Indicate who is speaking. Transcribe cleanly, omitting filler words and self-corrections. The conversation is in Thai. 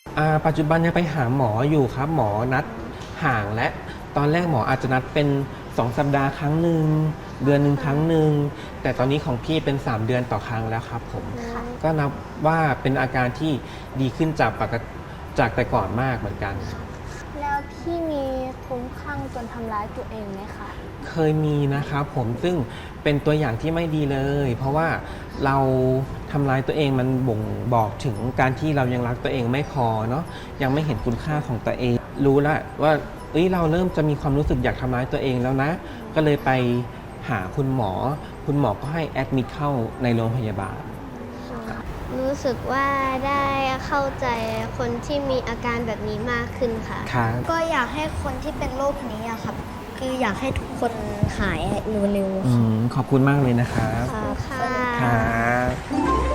Speaker 1: ปัจจุบันยังไปหาหมออยู่ครับหมอนัดห่างและตอนแรกหมออาจจะนัดเป็น2 สัปดาห์ครั้งหนึ่งเดือนหนึ่งครั้งหนึ่งแต่ตอนนี้ของพี่เป็น3 เดือนต่อครั้งแล้วครับผมก็นับว่าเป็นอาการที่ดีขึ้นจากจากแต่ก่อนมากเหมือนกัน
Speaker 2: แล้วพี่มีคลุ้มคลั่งจนทำร้ายตัวเองไหมคะ
Speaker 1: เคยมีนะครับผมซึ่งเป็นตัวอย่างที่ไม่ดีเลย เพราะว่าเราทำร้ายตัวเองมันบ่งบอกถึงการที่เรายังรักตัวเองไม่พอเนาะยังไม่เห็นคุณค่าของตัวเอง รู้แล้วว่าเราเริ่มจะมีความรู้สึกอยากทำร้ายตัวเองแล้วนะ ก็เลยไปหาคุณหมอ คุณหมอก็ให้แอดมิดเข้าในโรงพยาบาล
Speaker 3: รู้สึกว่าได้เข้าใจคนที่มีอาการแบบนี้มากขึ้นค่ะ
Speaker 1: ครับ
Speaker 4: ก็อยากให้คนที่เป็นโรคนี้อะครับ คืออยากให้ทุกคนหายเร็วๆ
Speaker 1: ขอบคุณมากเลยนะครับ
Speaker 3: ค่ะ
Speaker 1: ครับ